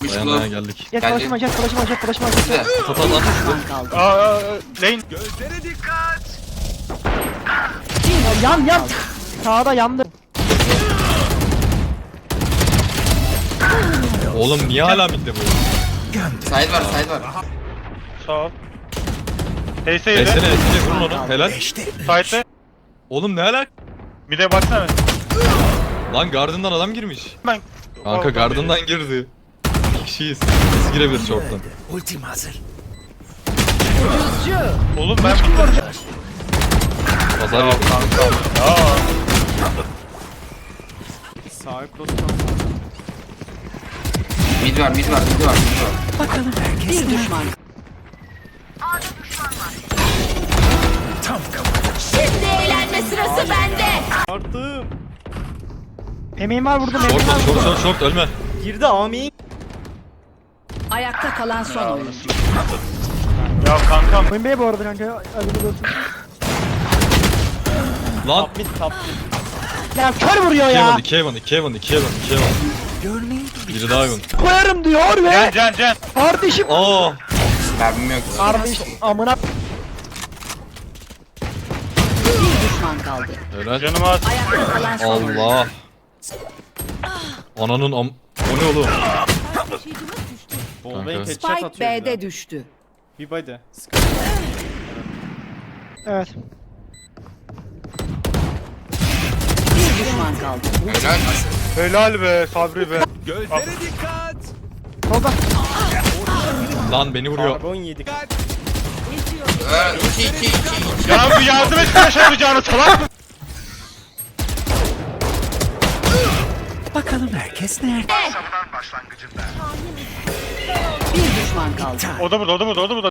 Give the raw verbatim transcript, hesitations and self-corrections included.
Push Dayan low. dayan geldik. Jet Geldi. flash'ım var, jet flash'ım var, jet flash'ım var, jet Güzel. Tata lan. kaldı. Aa, lane. Yan yan. Sağda yandı. Oğlum niye hala midde bu? Side var, side var. Sağ ol. Teyse Esene yedi. esene vurun onu. Helal. Side'de. Oğlum ne alak? Bir de baksana. Lan Garden'dan adam girmiş. Ben. Kanka Oradan Garden'dan girdi. İki kişiyiz. Biz girebilir short'tan. Ultim hazır. Oğlum ben bu Pazar yok. Aa. Sağ cross. Mid var, mid var, mid var, mid var. Bir düşman. Tam kafadan. Şimdi eğlenme sırası bende. Artı. Emeğim var vurdum, Short emeğim var short short vurdum. short short ölme. Girdi Ami. Ayakta kalan son oyuncu. Ya kankam. Oyun Bey bu arada kanka. Hadi bir olsun. Lan. Top mid top mid. Ya kör vuruyor ya. iki Evan iki Evan iki Evan iki Evan. Görmeyi Biri daha Evan. Koyarım diyor Can ve can can. kardeşim. Aa. Mermim yok. Kardeş amına. Bir düşman kaldı. Helal. Canım az. Ayakta kalan son oyuncu. Allah. Ananın am... O ne oğlum? Bombayı Kanka. headshot Spike atıyor. bir B'de de. düştü. Bir body. Evet. Bir düşman kaldı. Helal. Helal be Sabri be. Solda. Lan beni vuruyor. Karbon yedik. Ee, iki, iki, iki, iki. Ya bu yardım et flash atacağını salak mı? bakalım herkes nerede? Bir düşman kaldı. O da burada, o da burada, o da burada.